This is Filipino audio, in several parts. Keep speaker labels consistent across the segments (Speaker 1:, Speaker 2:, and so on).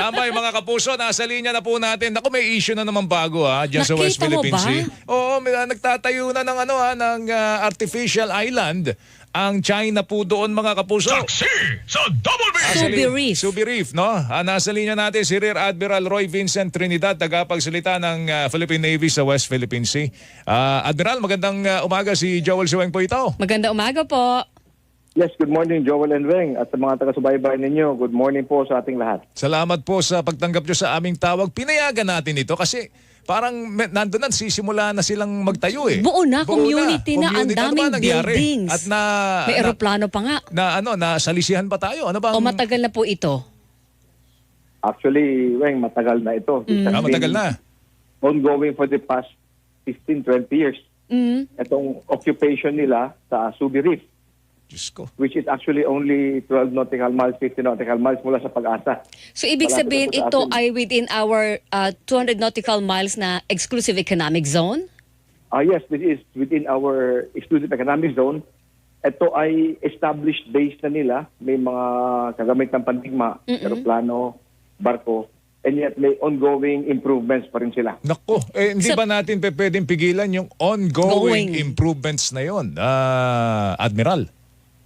Speaker 1: Tambay mga kapuso, nasa linya na po natin. Naku, may issue na naman bago dyan sa West
Speaker 2: Nakita mo
Speaker 1: Philippine
Speaker 2: ba?
Speaker 1: Sea. Oo, nagtatayo na ng ng artificial island ang China po doon mga kapuso.
Speaker 3: Saksi sa Double B!
Speaker 2: Subi Reef.
Speaker 1: Subi Reef, no? Nasa linya natin si Rear Admiral Roy Vincent Trinidad, tagapagsalita ng Philippine Navy sa West Philippine Sea. Admiral, magandang umaga, si Joel Siweng po ito.
Speaker 2: Maganda umaga po.
Speaker 4: Yes, good morning Joel and Weng at sa mga taga-subaybay ninyo. Good morning po sa ating lahat.
Speaker 1: Salamat po sa pagtanggap nyo sa aming tawag. Pinayagan natin ito kasi parang nandun na, sisimula na silang magtayo eh.
Speaker 2: Buo na, community na, ang
Speaker 1: Community. Ano
Speaker 2: daming
Speaker 1: ba nangyari?
Speaker 2: buildings.
Speaker 1: At
Speaker 2: May eroplano pa nga.
Speaker 1: nasalisihan pa tayo. Ano bang...
Speaker 2: O matagal na po ito?
Speaker 4: Actually, Weng, matagal na ito. It has
Speaker 1: matagal
Speaker 4: been
Speaker 1: na.
Speaker 4: ongoing for the past 15-20 years.
Speaker 2: Mm.
Speaker 4: Itong occupation nila sa Subi Reef,
Speaker 1: Diyos ko.
Speaker 4: which is actually only 12 nautical miles, 50 nautical miles mula sa Pag-asa.
Speaker 2: So ibig
Speaker 4: Malapit
Speaker 2: sabihin
Speaker 4: na po sa
Speaker 2: ito
Speaker 4: atin.
Speaker 2: ay within our 200 nautical miles na exclusive economic zone?
Speaker 4: Yes, this is within our exclusive economic zone. Ito ay established base na nila. May mga kagamit ng pandigma, aeroplano, barko, and yet may ongoing improvements pa rin sila.
Speaker 1: Nako, hindi
Speaker 2: So-
Speaker 1: ba natin pwedeng pigilan yung ongoing improvements na yon, Admiral?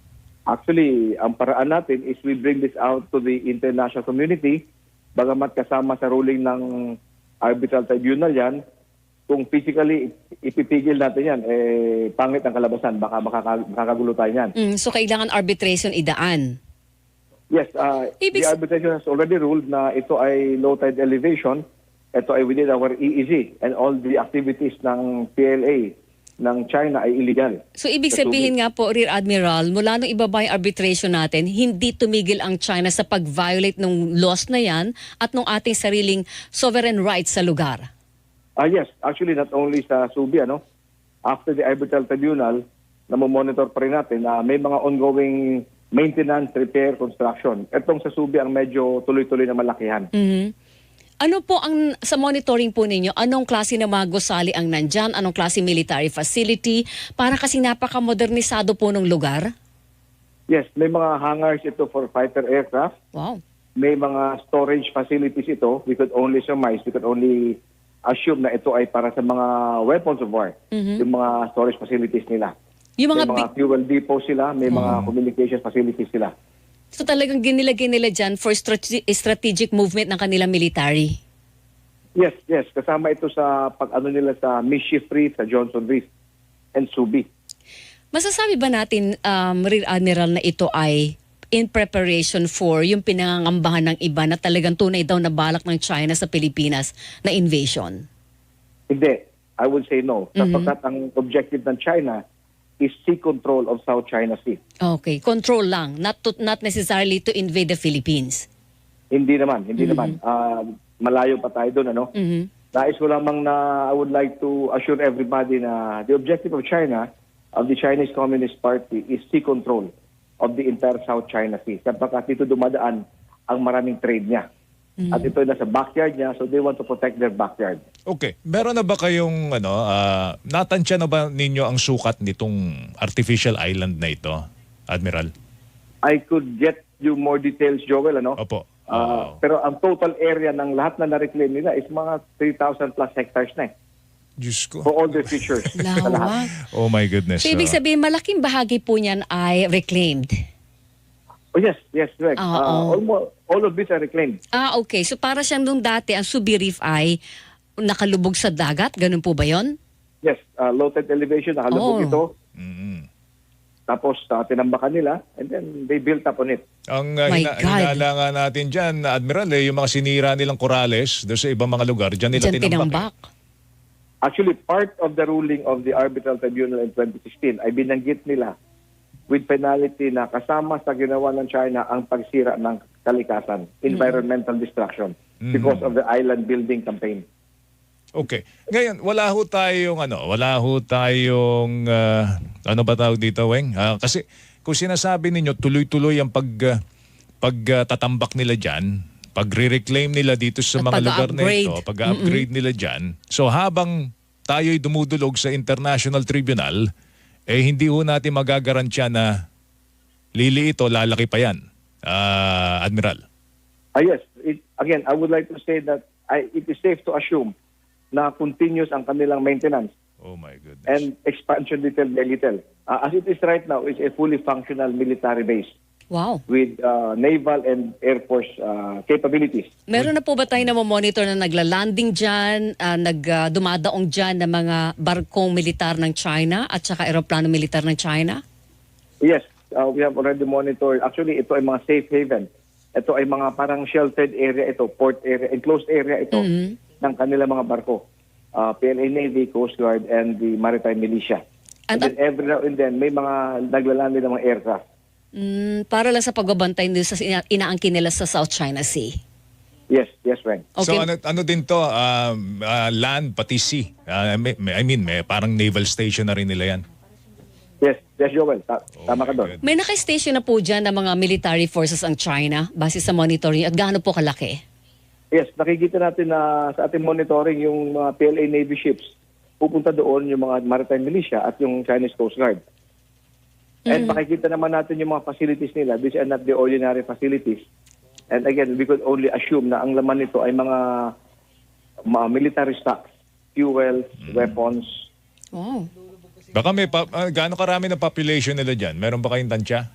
Speaker 4: Actually, ang paraan natin is we bring this out to the international community, bagamat kasama sa ruling ng arbitral tribunal yan. Kung physically ipipigil natin yan, pangit ang kalabasan, baka makakagulo tayo yan.
Speaker 2: So kailangan arbitration idaan.
Speaker 4: Yes,
Speaker 2: Ibig
Speaker 4: the arbitration has already ruled na ito ay low tide elevation, ito ay within our EEZ, and all the activities ng PLA ng China ay illegal.
Speaker 2: So ibig
Speaker 4: Sa
Speaker 2: sabihin nga po, Rear Admiral, mula nung ibaba yung arbitration natin, hindi tumigil ang China sa pag-violate ng laws na yan at ng ating sariling sovereign rights sa lugar.
Speaker 4: Yes, actually not only sa Subi, after the arbitral tribunal, namomonitor pa rin natin na may mga ongoing maintenance, repair, construction. Itong sa Subi ang medyo tuloy-tuloy na malakihan.
Speaker 2: Mhm. Ano po ang sa monitoring po ninyo? Anong klase ng mga gusali ang nandyan? Anong klase military facility? Para kasi napaka-modernisado po ng lugar.
Speaker 4: Yes, may mga hangars ito for fighter aircraft.
Speaker 2: Wow.
Speaker 4: May mga storage facilities ito. We could only surmise, we could only assume na ito ay para sa mga weapons of war. Yung mga storage facilities nila.
Speaker 2: Yung
Speaker 4: May
Speaker 2: mga
Speaker 4: mga fuel depot sila, may mga communication facilities sila.
Speaker 2: so talagang ginilagay nila dyan for strategic movement ng kanilang military.
Speaker 4: Yes, yes. Kasama ito sa pag-ano nila sa Mischief Reef, sa Johnson Reef, and Subi.
Speaker 2: Masasabi ba natin, Rear Admiral, na ito ay in preparation for yung pinangangambahan ng iba na talagang tunay daw na balak ng China sa Pilipinas na invasion?
Speaker 4: Hindi. I would say no. Sapagkat ang objective ng China is sea control of South China Sea.
Speaker 2: Okay, control lang, not necessarily to invade the Philippines.
Speaker 4: Hindi naman. Malayo pa tayo doon, Nais ko lamang na I would like to assure everybody na the objective of China, of the Chinese Communist Party, is sea control of the entire South China Sea. Sapagkat dito dumadaan ang maraming trade niya. At ito ay nasa backyard niya, so they want to protect their backyard.
Speaker 1: Okay, meron na ba kayong natansya na ba ninyo ang sukat nitong artificial island na ito, Admiral?
Speaker 4: I could get you more details, Joel,
Speaker 1: Opo.
Speaker 4: Pero ang total area ng lahat na na-reclaim nila is mga 3,000 plus hectares na
Speaker 1: Diyos ko.
Speaker 4: for all their features. sa lahat.
Speaker 2: Lawak.
Speaker 1: Oh my goodness.
Speaker 2: So ibig sabihin, malaking bahagi po niyan ay reclaimed.
Speaker 4: Oh yes, correct.
Speaker 2: Oo.
Speaker 4: All of these are reclaimed.
Speaker 2: Okay. So para siyang nung dati, ang Subi Reef ay nakalubog sa dagat? Ganun po ba yon?
Speaker 4: Yes, low tide elevation, nakalubog ito.
Speaker 1: Mm.
Speaker 4: Tapos tinambakan nila and then they built up on it.
Speaker 1: Ang
Speaker 2: My God.
Speaker 1: hinala nga natin dyan, Admiral, yung mga sinira nilang korales doon sa ibang mga lugar, dyan nila
Speaker 2: Diyan
Speaker 1: tinambak.
Speaker 2: tinambak.
Speaker 4: Actually, part of the ruling of the arbitral tribunal in 2016 ay binanggit nila with penalty na kasama sa ginawa ng China ang pagsira ng kalikasan, environmental destruction, because of the island building campaign.
Speaker 1: Okay. Ngayon, wala ho tayong ano ba tawag dito, Weng? Kasi kung sinasabi ninyo tuloy-tuloy ang pagtatambak nila diyan, pagre-reclaim nila dito sa
Speaker 2: At
Speaker 1: mga lugar na
Speaker 2: pag-upgrade.
Speaker 1: ito, pag-upgrade nila diyan. So habang tayo'y dumudulog sa International Tribunal, hindi ho natin magagaransya na liliit o lalaki pa yan, Admiral.
Speaker 4: Yes, again, I would like to say that it is safe to assume na continuous ang kanilang maintenance
Speaker 1: Oh my goodness.
Speaker 4: and expansion little by little. As it is right now, it's a fully functional military base
Speaker 2: Wow.
Speaker 4: with naval and air force capabilities.
Speaker 2: Meron na po ba tayo na monitor na nagla-landing dyan, dumadaong dyan ng mga barkong militar ng China at saka aeroplano militar ng China?
Speaker 4: Yes, we have already monitored. Actually, ito ay mga safe haven. Ito ay mga parang sheltered area ito, port area, enclosed area ito ng kanilang mga barko. PLA Navy, Coast Guard, and the Maritime Militia. And then every now and then, may mga naglalandi ng mga aircraft.
Speaker 2: Para lang sa pagbabantay nila sa inaangkin nila sa South China Sea.
Speaker 4: Yes, Frank.
Speaker 2: Okay.
Speaker 1: So ano din to, land pati sea. May parang naval station na rin nila yan.
Speaker 4: Yes, Joel. Tama ka doon.
Speaker 2: May naka-station na po dyan ng mga military forces ang China base sa monitoring at gaano po kalaki?
Speaker 4: Yes, nakikita natin na sa ating monitoring yung mga PLA Navy ships, pupunta doon yung mga Maritime Militia at yung Chinese Coast Guard. And makikita naman natin yung mga facilities nila. These are not the ordinary facilities. And again, we could only assume na ang laman nito ay mga military stocks, fuels, weapons.
Speaker 2: Wow.
Speaker 1: Baka gaano karami na population nila dyan? Meron ba kayong tansya?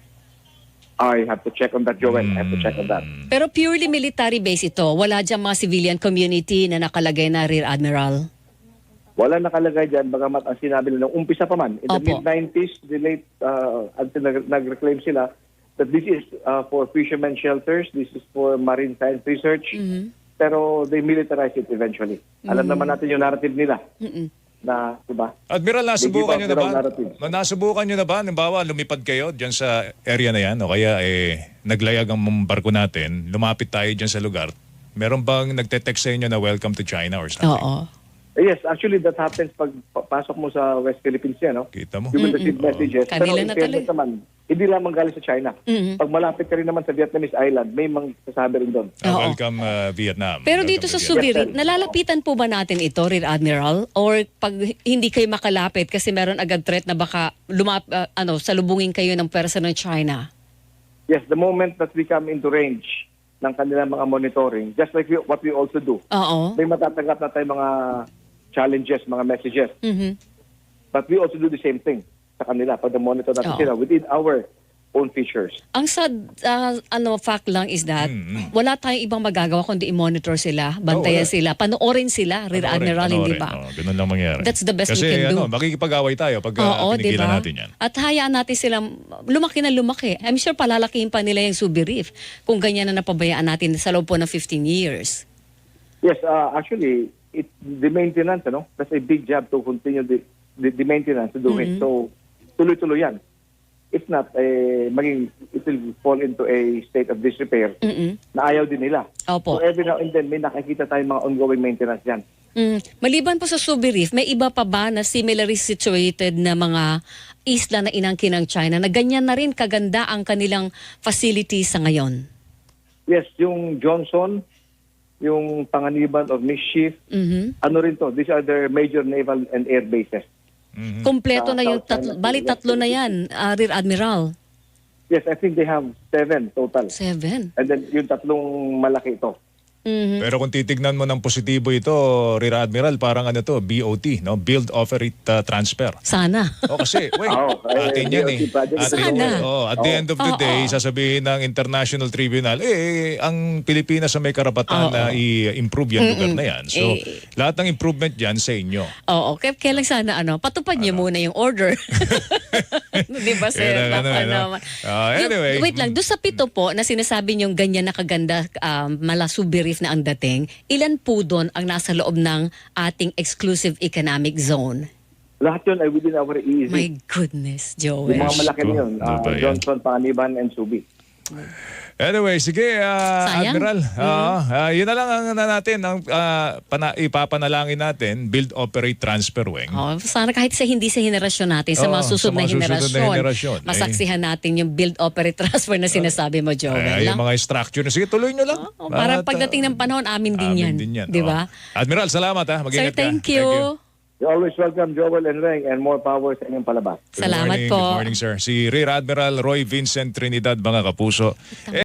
Speaker 4: I have to check on that, Joel. I have to check on that.
Speaker 2: Pero purely military base ito, wala dyan mga civilian community na nakalagay na Rear Admiral?
Speaker 4: Wala nakalagay dyan, bagamat ang sinabi nila, umpisa pa man. In the
Speaker 2: Opo.
Speaker 4: mid-90s, the late, until nag-reclaim sila, that this is for fishermen shelters, this is for marine science research, pero they militarized it eventually. Alam naman natin yung narrative nila. Na, diba?
Speaker 1: Admiral, nasubukan nyo na ba?
Speaker 4: narrative.
Speaker 1: Nasubukan nyo na ba? Halimbawa, lumipad kayo dyan sa area na yan o kaya naglayag ang barko natin, lumapit tayo dyan sa lugar. Meron bang nagte-text sa inyo na welcome to China or something?
Speaker 2: Oo.
Speaker 4: Yes, actually that happens pag pasok mo sa West Philippines yan, no?
Speaker 1: Kita mo?
Speaker 4: You will receive messages.
Speaker 2: Kanila
Speaker 4: Pero
Speaker 2: na
Speaker 4: in fairness
Speaker 2: tuloy.
Speaker 4: naman, hindi lamang galing sa China. Pag malapit ka rin naman sa Vietnamese island, may mga sasabi rin doon.
Speaker 2: Oo.
Speaker 1: Welcome Vietnam.
Speaker 2: Pero
Speaker 1: Welcome
Speaker 2: dito
Speaker 1: to
Speaker 2: sa
Speaker 1: Vietnam.
Speaker 2: Subirit, nalalapitan po ba natin ito, Rear Admiral? Or pag hindi kayo makalapit kasi meron agad threat na baka salubungin kayo ng pwersa ng China?
Speaker 4: Yes, the moment that we come into range ng kanilang mga monitoring, just like what we also do,
Speaker 2: Oo.
Speaker 4: may matatanggap na tayong mga challenges, mga messages.
Speaker 2: Mhm.
Speaker 4: But we also do the same thing sa kanila pag monitor natin
Speaker 2: Oo.
Speaker 4: sila within our own features.
Speaker 2: Ang sad, fact lang is that wala tayong ibang magagawa kundi i-monitor sila, bantayan
Speaker 1: wala.
Speaker 2: sila, panoorin sila, Rear Admiral, hindi ba?
Speaker 1: Ganun lang mangyari.
Speaker 2: That's the best
Speaker 1: Kasi,
Speaker 2: we can do.
Speaker 1: makikipag-away tayo pag
Speaker 2: Oo, di
Speaker 1: pinigilan
Speaker 2: ba?
Speaker 1: natin yan.
Speaker 2: At hayaan natin silang lumaki na lumaki. I'm sure palalakihin pa nila yung Subi Reef kung ganyan na napabayaan natin sa loob po ng 15 years.
Speaker 4: Yes, actually, the maintenance, that's a big job to continue the maintenance to do it. So, tuloy-tuloy yan. If not, it will fall into a state of disrepair na ayaw din nila.
Speaker 2: Opo.
Speaker 4: So, every now and then, may nakikita tayong mga ongoing maintenance yan.
Speaker 2: Maliban po sa Subi Reef, may iba pa ba na similarly situated na mga isla na inangkin ng China na ganyan na rin kaganda ang kanilang facilities sa ngayon?
Speaker 4: Yes, yung Johnson, yung Panganiban of Mischief, ano rin to, these are their major naval and air bases.
Speaker 2: Kompleto
Speaker 4: Sa
Speaker 2: na yung
Speaker 4: South China Sea.
Speaker 2: bali tatlo na yan, Rear Admiral.
Speaker 4: Yes, I think they have 7 total.
Speaker 2: 7.
Speaker 4: And then yung tatlong malaki ito.
Speaker 1: Pero kung titignan mo ng positibo ito, Rear Admiral, parang BOT, no? Build, Operate, Transfer.
Speaker 2: Sana.
Speaker 1: Kasi, atin yan
Speaker 4: BOT project.
Speaker 2: Sana.
Speaker 1: At the end of the day, sasabihin ng International Tribunal, ang Pilipinas ang may karapatan na i-improve yan lugar na yan. So, lahat ng improvement yan sa inyo.
Speaker 2: Oo, kailan sana patupad niyo muna yung order. Di ba, sir?
Speaker 1: Kaya
Speaker 2: Baka naman.
Speaker 1: Anyway.
Speaker 2: Wait lang, doon sa pito po na sinasabi niyong ganyan na kaganda mala Subi Reef na ang dating, ilan po doon ang nasa loob ng ating exclusive economic zone?
Speaker 4: Lahat yun ay within our EEZ.
Speaker 2: My goodness, Joel.
Speaker 4: Yung mga malaki na yun,
Speaker 1: Ano ba yan?
Speaker 4: Johnson, Panganiban, and Subi.
Speaker 1: Anyway, sige,
Speaker 2: Sayang.
Speaker 1: Admiral. Yun na lang ang natin, ang ipapanalangin natin, Build, Operate, Transfer Wing.
Speaker 2: Sana kahit hindi sa henerasyon natin, sa mga
Speaker 1: Oo,
Speaker 2: susunod na
Speaker 1: sa mga susunod na
Speaker 2: henerasyon,
Speaker 1: henerasyon,
Speaker 2: masaksihan natin yung build, operate, transfer na sinasabi mo, Joel.
Speaker 1: Yung mga structure na, sige, tuloy nyo lang.
Speaker 2: Para
Speaker 1: At,
Speaker 2: pagdating ng panahon, amin din yan. Di ba?
Speaker 1: Admiral, salamat ha.
Speaker 2: Sir,
Speaker 1: Mag-ingat ka.
Speaker 2: thank you.
Speaker 4: You're always welcome, Joel and Reng, and more power sa inyong palabas.
Speaker 1: Good
Speaker 2: Salamat
Speaker 1: morning,
Speaker 2: po.
Speaker 1: Good morning, sir. Si Rear Admiral Roy Vincent Trinidad, mga kapuso.